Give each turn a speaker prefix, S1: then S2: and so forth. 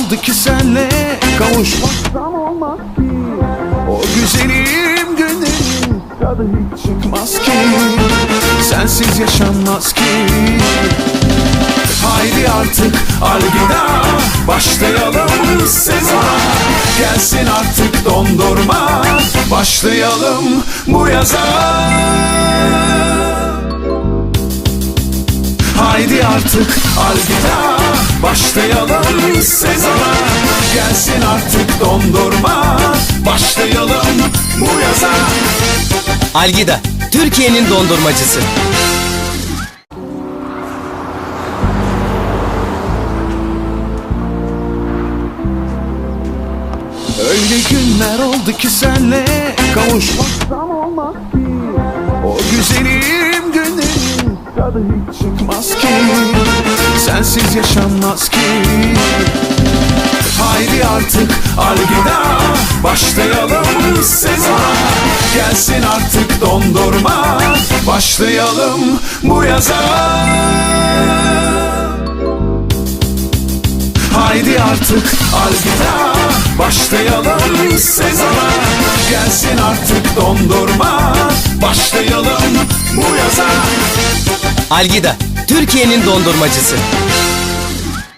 S1: oldu ki senle kavuşmaktan olmaz ki. O güzelim günlerin tadı hiç çıkmaz ki. Sensiz yaşanmaz ki. Haydi artık alvida, başlayalım sezona. Gelsin artık dondurma, başlayalım bu yaza. Haydi artık alvida, başlayalım sezona. Gelsin artık dondurma, başlayalım bu yaza.
S2: Algida, Türkiye'nin dondurmacısı.
S1: Öyle günler oldu ki senle kavuşmaktan olmaz ki. O güzelim günlerin tadı hiç çıkmaz ki. Sensiz yaşanmaz ki. Haydi artık alvida, başlayalım sezona. Gelsin artık dondurma, başlayalım bu yaza. Haydi artık alvida, başlayalım sezona. Gelsin artık dondurma, başlayalım bu yaza.
S2: Algida, Türkiye'nin dondurmacısı.